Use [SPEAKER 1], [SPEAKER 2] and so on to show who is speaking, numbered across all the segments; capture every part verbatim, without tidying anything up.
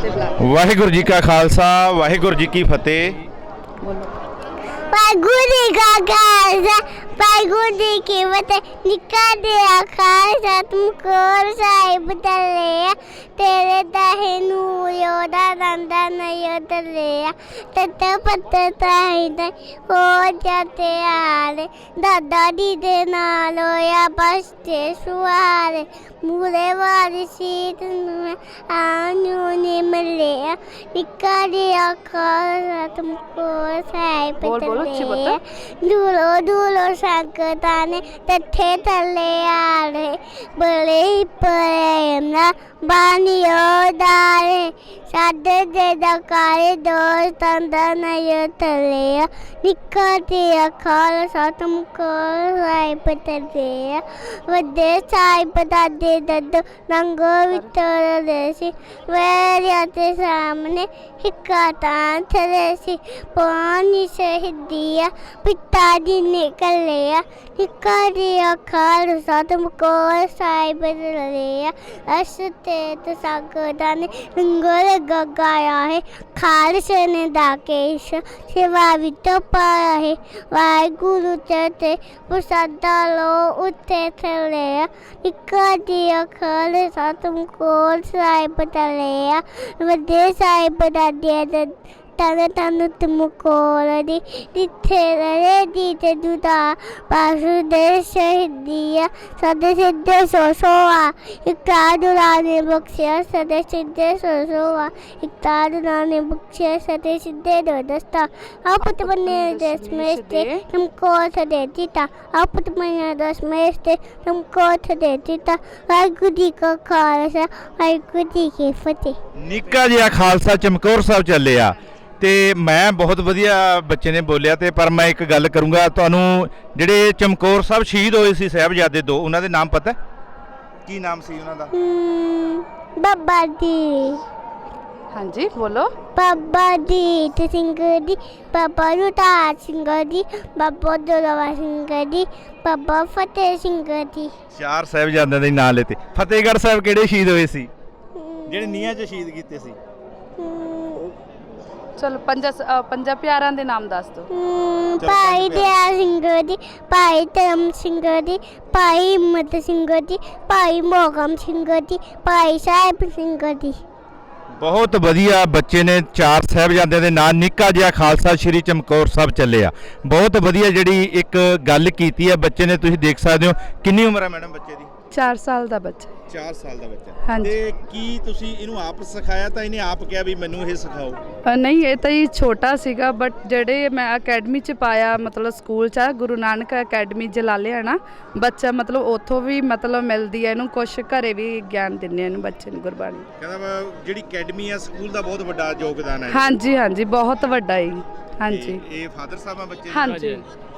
[SPEAKER 1] से बुला।
[SPEAKER 2] वाहिगुरू जी का खालसा वाहिगुरू जी की फतेह।
[SPEAKER 3] वाहिगुरू जी का खालसा वाहिगुरू जी की फतेह। निका दे खालसा तुमको साहिब तले तेरे दाहे नूर योदा नंदा नयो तले तत पत ताही दे हो जाते आले दादा दी दे नाल होया बसते सुआरे मूरे वाली सीट में आनू ने मिले निका दे खालसा तुमको साहिब तले दूलो दूलो संकताने तथे तले आले बड़े प्रेम बानियो दारे सादे दे दकारे दोस्तां दा नयो तले निका ते खालसा तुमको साहिब तले वड्डे साहिब दादे दद्दो रंगो वितर देसी वेरिया ते सामने हिक्का तां थले सी पानी शहीदिया पिता जी निकले निका ते खालसा तुमको साहिब तले असते तो सागदा ने रंगोल गगाया है खालसे ने दाकेश सेवा भी तो पाया है वाहिगुरू चते प्रसादा लो उठे थले निका दिया खालसा तुमको साहिब तले वड्डे साहिब दादे तन तन तुमको दी दिथे रे दी ते दुदा पासुदे शहीदिया सदे सिद्धे सोसोआ इकतादुराने बख्शिया सदे सिद्धे सोसोआ इकतादुराने बख्शिया सदे सिद्धे दो दस्ता आपत बने दस में से तुमको सदे दीता आपत बने दस में से तुमको सदे दीता वाहिगुरू जी का खालसा वाहिगुरू जी की फतेह।
[SPEAKER 2] निक्का जिहा खालसा चमकौर साहब ਚੱਲਿਆ ਤੇ ਮੈਂ ਬਹੁਤ ਵਧੀਆ ਬੱਚੇ ਨੇ ਬੋਲਿਆ ਤੇ ਪਰ ਮੈਂ ਇੱਕ ਗੱਲ ਕਰੂੰਗਾ ਤੁਹਾਨੂੰ ਜਿਹੜੇ ਚਮਕੌਰ ਸਾਹਿਬ ਸ਼ਹੀਦ ਹੋਏ ਸੀ ਸਾਹਿਬਜ਼ਾਦੇ ਦੋ ਉਹਨਾਂ ਦੇ ਨਾਮ ਪਤਾ ਕੀ ਨਾਮ ਸੀ ਉਹਨਾਂ ਦਾ?
[SPEAKER 3] ਬਾਬਾ ਜੀ।
[SPEAKER 1] हाँ जी बोलो।
[SPEAKER 3] बाबा जीत सिंह जी बाबा रुतार सिंह जी बाबा जोरावर सिंह जी बाबा फतेह सिंह जी।
[SPEAKER 2] ਚਾਰ ਸਾਹਿਬਜ਼ਾਦਿਆਂ ਦੇ ਨਾਂ ਲੇਤੇ। ਫਤਿਹਗੜ੍ਹ ਸਾਹਿਬ ਕਿਹੜੇ ਸ਼ਹੀਦ ਹੋਏ ਸੀ ਜਿਹੜੇ ਨੀਹਾਂ 'ਚ ਸ਼ਹੀਦ ਕੀਤੇ ਸੀ?
[SPEAKER 1] चलो पंजा पंजा प्यारां दे नाम दस दो।
[SPEAKER 3] भाई दया सिंह जी भाई धर्म सिंह जी भाई हिम्मत सिंह जी भाई मोहकम सिंह जी भाई साहिब सिंह जी।
[SPEAKER 2] ਬਹੁਤ ਵਧੀਆ ਬੱਚੇ ਨੇ ਚਾਰ ਸਾਹਿਬਜ਼ਾਦਿਆਂ ਦੇ ਨਾਂ ਨਿੱਕਾ ਜਿਹਾ ਖਾਲਸਾ ਸ਼੍ਰੀ ਚਮਕੌਰ ਸਾਹਿਬ ਚੱਲਿਆ। ਬਹੁਤ ਵਧੀਆ ਜਿਹੜੀ ਇੱਕ ਗੱਲ ਕੀਤੀ ਹੈ ਬੱਚੇ ਨੇ। ਤੁਸੀਂ ਦੇਖ ਸਕਦੇ ਹੋ ਕਿੰਨੀ ਉਮਰ ਹੈ ਮੈਡਮ ਬੱਚੇ ਦੀ?
[SPEAKER 1] चार साल ਦਾ ਬੱਚਾ।
[SPEAKER 2] ਚਾਰ ਸਾਲ ਦਾ ਬੱਚਾ।
[SPEAKER 1] हाँ जी।
[SPEAKER 2] ਤੇ ਕੀ ਤੁਸੀਂ ਇਹਨੂੰ ਆਪ ਸਿਖਾਇਆ ਤਾਂ ਇਹਨੇ ਆਪ ਕਿਹਾ ਵੀ ਮੈਨੂੰ ਇਹ ਸਿਖਾਓ?
[SPEAKER 1] ਅ, ਨਹੀਂ ਇਹ ਤਾਂ ਹੀ ਛੋਟਾ ਸੀਗਾ ਬਟ ਜਿਹੜੇ ਮੈਂ ਅਕੈਡਮੀ 'ਚ ਪਾਇਆ ਮਤਲਬ ਸਕੂਲ 'ਚ ਆ ਗੁਰੂ ਨਾਨਕ ਅਕੈਡਮੀ ਜਲਾਲਿਆ ਨਾ ਬੱਚਾ ਮਤਲਬ ਉੱਥੋਂ ਵੀ ਮਤਲਬ ਮਿਲਦੀ ਹੈ ਇਹਨੂੰ ਕੁਛ ਘਰੇ ਵੀ ਗਿਆਨ ਦਿੰਦੇ ਇਹਨੂੰ ਬੱਚੇ ਨੂੰ ਗੁਰਬਾਣੀ।
[SPEAKER 2] ਕਹਿੰਦਾ ਜਿਹੜੀ ਅਕੈਡਮੀ ਆ ਸਕੂਲ ਦਾ ਬਹੁਤ ਵੱਡਾ ਯੋਗਦਾਨ ਹੈ।
[SPEAKER 1] ਹਾਂਜੀ ਹਾਂਜੀ ਬਹੁਤ ਵੱਡਾ ਹੈ। ਹਾਂਜੀ
[SPEAKER 2] ਇਹ ਫਾਦਰ ਸਾਹਿਬ ਆ ਬੱਚੇ?
[SPEAKER 1] ਹਾਂਜੀ।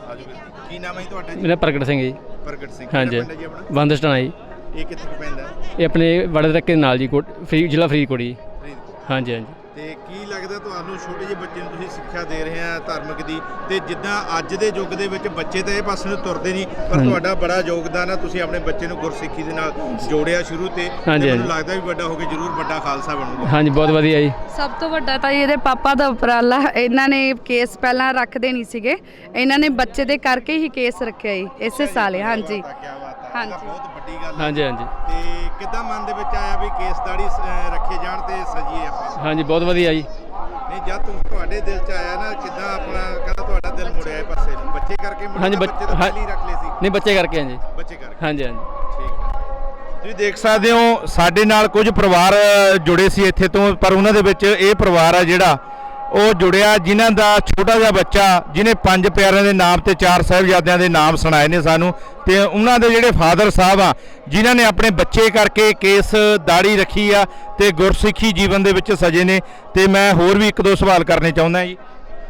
[SPEAKER 2] ਕੀ ਨਾਮ ਹੈ ਤੁਹਾਡਾ ਜੀ?
[SPEAKER 4] ਮੇਰਾ ਪ੍ਰਗਟ ਸਿੰਘ ਜੀ।
[SPEAKER 2] ਪ੍ਰਗਟ ਸਿੰਘ।
[SPEAKER 4] ਹਾਂਜੀ ਬੰਦਸਟਾਣਾ ਜੀ।
[SPEAKER 2] ਇਹ ਕਿੱਥੇ ਪੈਂਦਾ?
[SPEAKER 4] ਇਹ ਆਪਣੇ ਵੜੇ ਤੱਕ ਦੇ ਨਾਲ ਜੀ ਕੋਟ ਫਰੀ ਜ਼ਿਲ੍ਹਾ ਫਰੀਦਕੋਟ ਜੀ। ਹਾਂਜੀ ਹਾਂਜੀ।
[SPEAKER 2] ਤੇ ਕੀ ਲੱਗਦਾ ਤੁਹਾਨੂੰ ਛੋਟੇ ਜਿਹੇ ਬੱਚੇ ਨੂੰ ਤੁਸੀਂ ਸਿੱਖਿਆ ਦੇ ਰਹੇ ਆ ਧਾਰਮਿਕ ਦੀ ਤੇ ਜਿੱਦਾਂ ਅੱਜ ਦੇ ਯੁੱਗ ਦੇ ਵਿੱਚ ਬੱਚੇ ਤਾਂ ਇਹ ਪਾਸੇ ਨੂੰ ਤੁਰਦੇ ਨਹੀਂ ਪਰ ਤੁਹਾਡਾ ਬੜਾ ਯੋਗਦਾਨ ਆ। ਤੁਸੀਂ ਆਪਣੇ ਬੱਚੇ ਨੂੰ ਗੁਰਸਿੱਖੀ ਦੇ ਨਾਲ ਜੋੜਿਆ ਸ਼ੁਰੂ ਤੇ ਮੈਨੂੰ ਲੱਗਦਾ ਵੀ ਵੱਡਾ ਹੋ ਕੇ ਜ਼ਰੂਰ ਵੱਡਾ ਖਾਲਸਾ ਬਣੂਗਾ।
[SPEAKER 4] ਹਾਂਜੀ ਬਹੁਤ ਵਧੀਆ ਜੀ।
[SPEAKER 1] ਸਭ ਤੋਂ ਵੱਡਾ ਤਾਂ ਇਹਦੇ ਪਾਪਾ ਦਾ ਉਪਰਾਲਾ। ਇਹਨਾਂ ਨੇ ਕੇਸ ਪਹਿਲਾਂ ਰੱਖਦੇ ਨਹੀਂ ਸੀਗੇ ਇਹਨਾਂ ਨੇ ਬੱਚੇ ਦੇ ਕਰਕੇ ਹੀ ਕੇਸ ਰੱਖਿਆ ਜੀ ਇਸੇ ਸਾਲ। ਹਾਂਜੀ
[SPEAKER 2] ਹਾਂਜੀ ਬਹੁਤ ਵੱਡੀ ਗੱਲ ਹੈ।
[SPEAKER 4] ਹਾਂਜੀ ਹਾਂਜੀ।
[SPEAKER 2] ਤੇ ਕਿੱਦਾਂ ਮਨ ਦੇ ਵਿੱਚ ਆਇਆ ਵੀ ਕੇਸ ਦਾੜੀ ਰੱਖੇ ਜਾਣ ਤੇ ਸਜੀਏ ਆਪਾਂ?
[SPEAKER 4] ਹਾਂਜੀ ਬਹੁਤ ਵਧੀਆ ਜੀ।
[SPEAKER 2] ਨਹੀਂ ਜਦ ਤੁਮ ਤੁਹਾਡੇ ਦਿਲ 'ਚ ਆਇਆ ਨਾ ਕਿੱਦਾਂ ਆਪਣਾ ਕਹਿੰਦਾ ਤੁਹਾਡਾ ਦਿਲ ਮੁੜਿਆ ਇਹ ਪਾਸੇ ਨੂੰ ਬੱਚੇ ਕਰਕੇ ਮੁੜਿਆ?
[SPEAKER 4] ਹਾਂਜੀ
[SPEAKER 2] ਬੱਚੇ ਤਾਂ ਪਹਿਲੀ ਰੱਖ ਲਏ ਸੀ?
[SPEAKER 4] ਨਹੀਂ ਬੱਚੇ ਕਰਕੇ ਹਾਂਜੀ।
[SPEAKER 2] ਬੱਚੇ ਕਰਕੇ।
[SPEAKER 4] ਹਾਂਜੀ ਹਾਂਜੀ
[SPEAKER 2] ਠੀਕ ਹੈ। ਤੁਸੀਂ ਦੇਖ ਸਕਦੇ ਹੋ ਸਾਡੇ ਨਾਲ ਕੁਝ ਪਰਿਵਾਰ ਜੁੜੇ ਸੀ ਇੱਥੇ ਤੋਂ ਪਰ ਉਹਨਾਂ ਦੇ ਵਿੱਚ ਇਹ ਪਰਿਵਾਰ ਆ ਜਿਹੜਾ ਉਹ ਜੁੜਿਆ ਜਿਨ੍ਹਾਂ ਦਾ ਛੋਟਾ ਜਿਹਾ ਬੱਚਾ ਜਿਹਨੇ ਪੰਜ ਪਿਆਰਿਆਂ ਦੇ ਨਾਮ ਤੇ ਚਾਰ ਸਾਹਿਬਜ਼ਾਦਿਆਂ ਦੇ ਨਾਮ ਸੁਣਾਏ ਨੇ ਸਾਨੂੰ ਤੇ ਉਹਨਾਂ ਦੇ ਜਿਹੜੇ ਫਾਦਰ ਸਾਹਿਬ ਆ ਜਿਨ੍ਹਾਂ ਨੇ ਆਪਣੇ ਬੱਚੇ ਕਰਕੇ ਕੇਸ ਦਾੜੀ ਰੱਖੀ ਆ ਤੇ ਗੁਰਸਿੱਖੀ ਜੀਵਨ ਦੇ ਵਿੱਚ ਸਜੇ ਨੇ। ਤੇ ਮੈਂ ਹੋਰ ਵੀ ਇੱਕ ਦੋ ਸਵਾਲ ਕਰਨੇ ਚਾਹੁੰਦਾ ਜੀ।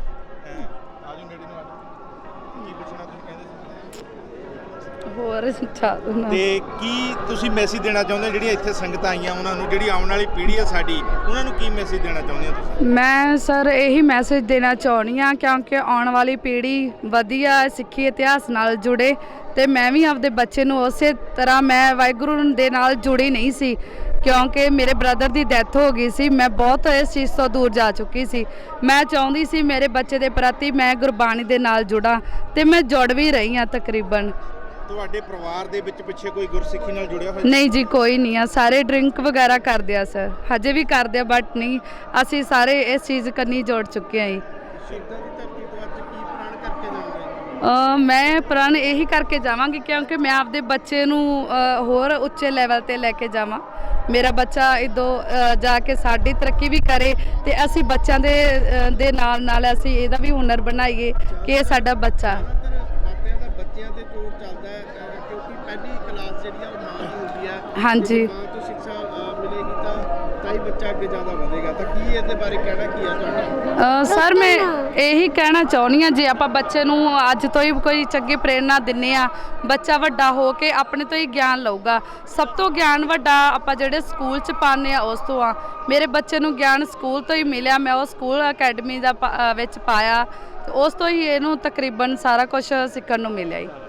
[SPEAKER 1] ਹੋਰ
[SPEAKER 2] ਤੇ ਕੀ ਤੁਸੀਂ ਮੈਸੇਜ ਦੇਣਾ ਚਾਹੁੰਦੇ ਜਿਹੜੀਆਂ ਇੱਥੇ ਸੰਗਤਾਂ ਆਈਆਂ ਉਹਨਾਂ ਨੂੰ ਜਿਹੜੀ ਆਉਣ ਵਾਲੀ ਪੀੜ੍ਹੀ ਆ ਸਾਡੀ ਉਹਨਾਂ ਨੂੰ ਕੀ ਮੈਸੇਜ ਦੇਣਾ ਚਾਹੁੰਦੇ ਹੋ ਤੁਸੀਂ?
[SPEAKER 1] ਮੈਂ ਸਰ ਇਹੀ ਮੈਸੇਜ ਦੇਣਾ ਚਾਹੁੰਦੀ ਹਾਂ ਕਿਉਂਕਿ ਆਉਣ ਵਾਲੀ ਪੀੜ੍ਹੀ ਵਧੀਆ ਸਿੱਖੀ ਇਤਿਹਾਸ ਨਾਲ ਜੁੜੇ ਤੇ ਮੈਂ ਵੀ ਆਪਦੇ ਬੱਚੇ ਨੂੰ ਉਸੇ ਤਰ੍ਹਾਂ ਮੈਂ ਵਾਹਿਗੁਰੂ ਦੇ ਨਾਲ ਜੁੜੀ ਨਹੀਂ ਸੀ ਕਿਉਂਕਿ ਮੇਰੇ ਬ੍ਰਦਰ ਦੀ ਡੈਥ ਹੋ ਗਈ ਸੀ। ਮੈਂ ਬਹੁਤ ਇਸ ਚੀਜ਼ ਤੋਂ ਦੂਰ ਜਾ ਚੁੱਕੀ ਸੀ। ਮੈਂ ਚਾਹੁੰਦੀ ਸੀ ਮੇਰੇ ਬੱਚੇ ਦੇ ਪ੍ਰਤੀ ਮੈਂ ਗੁਰਬਾਣੀ ਦੇ ਨਾਲ ਜੁੜਾਂ ਤੇ ਮੈਂ ਜੁੜ ਵੀ ਰਹੀ ਹਾਂ ਤਕਰੀਬਨ।
[SPEAKER 2] ਤੁਹਾਡੇ ਪਰਿਵਾਰ ਦੇ ਵਿੱਚ ਪਿੱਛੇ ਕੋਈ ਗੁਰਸਿੱਖੀ ਨਾਲ ਜੁੜਿਆ ਹੋਇਆ?
[SPEAKER 1] ਨਹੀਂ ਜੀ, ਕੋਈ ਨਹੀਂ ਆ। ਸਾਰੇ ਡਰਿੰਕ ਵਗੈਰਾ ਕਰਦੇ ਆ ਸਰ, ਹਜੇ ਵੀ ਕਰਦੇ ਆ, ਬਟ ਨਹੀਂ, ਅਸੀਂ ਸਾਰੇ ਇਸ ਚੀਜ਼ ਕੰਨੀ ਜੁੜ ਚੁੱਕੇ ਆ ਜੀ।
[SPEAKER 2] ਸ਼ਹੀਦਾਂ ਦੀ ਧਰਤੀ ਤੋਂ ਅੱਜ ਕੀ ਪ੍ਰਣ ਕਰਕੇ ਜਾਓਗੇ?
[SPEAKER 1] ਅ, ਮੈਂ ਪ੍ਰਣ ਇਹੀ ਕਰਕੇ ਜਾਵਾਂਗੀ ਕਿਉਂਕਿ ਮੈਂ ਆਪਦੇ ਬੱਚੇ ਨੂੰ ਅ, ਹੋਰ ਉੱਚੇ ਲੈਵਲ ਤੇ ਲੈ ਕੇ ਜਾਵਾਂ। ਮੇਰਾ ਬੱਚਾ ਇੱਦੋਂ ਅ, ਜਾ ਕੇ ਸਾਡੀ ਤਰੱਕੀ ਵੀ ਕਰੇ ਤੇ ਅਸੀਂ ਬੱਚਿਆਂ ਦੇ ਅ, ਦੇ ਨਾਲ ਨਾਲ ਅਸੀਂ ਇਹਦਾ ਵੀ ਹੁਨਰ ਬਣਾਈਏ ਕਿ ਇਹ ਸਾਡਾ ਬੱਚਾ।
[SPEAKER 2] ਮਾਪਿਆਂ ਦਾ ਬੱਚਿਆਂ ਤੇ ਜ਼ੋਰ ਚੱਲਦਾ ਹੈ ਅ, ਕਿਉਂਕਿ ਪਹਿਲੀ ਕਲਾਸ ਜਿਹੜੀ ਆ ਉਹ ਮਾਂ ਦੀ ਹੁੰਦੀ ਹੈ।
[SPEAKER 1] ਹਾਂਜੀ।
[SPEAKER 2] ਮਾਂ ਤੋਂ ਸਿੱਖਿਆ ਅ, ਮਿਲੇਗੀ ਤਾਂ ਤਾਂ ਹੀ ਬੱਚਾ ਅੱਗੇ ਜ਼ਿਆਦਾ ਵਧੇਗਾ। ਤਾਂ ਕੀ ਇਹਦੇ ਬਾਰੇ ਕਹਿਣਾ ਕੀ ਹੈ ਤੁਹਾਡਾ?
[SPEAKER 1] ਅ, ਸਰ ਮੈਂ ਇਹੀ ਕਹਿਣਾ ਚਾਹੁੰਦੀ ਹਾਂ, ਜੇ ਆਪਾਂ ਬੱਚੇ ਨੂੰ ਅੱਜ ਤੋਂ ਹੀ ਕੋਈ ਚੰਗੀ ਪ੍ਰੇਰਨਾ ਦਿੰਨੇ ਆ, ਬੱਚਾ ਵੱਡਾ ਹੋ ਕੇ ਆਪਣੇ ਤੋਂ ਹੀ ਗਿਆਨ ਲਊਗਾ। ਸਭ ਤੋਂ ਗਿਆਨ ਵੱਡਾ ਆਪਾਂ ਜਿਹੜੇ ਸਕੂਲ 'ਚ ਪਾਉਂਦੇ ਆ ਉਸ ਤੋਂ ਆ। ਮੇਰੇ ਬੱਚੇ ਨੂੰ ਗਿਆਨ ਸਕੂਲ ਤੋਂ ਹੀ ਮਿਲਿਆ। ਮੈਂ ਉਹ ਸਕੂਲ ਅਕੈਡਮੀ ਦਾ ਪਾ- ਅ, ਵਿੱਚ ਪਾਇਆ ਤੇ ਉਸ ਤੋਂ ਹੀ ਇਹਨੂੰ ਤਕਰੀਬਨ ਸਾਰਾ ਕੁਝ ਸਿੱਖਣ ਨੂੰ ਮਿਲਿਆ ਜੀ।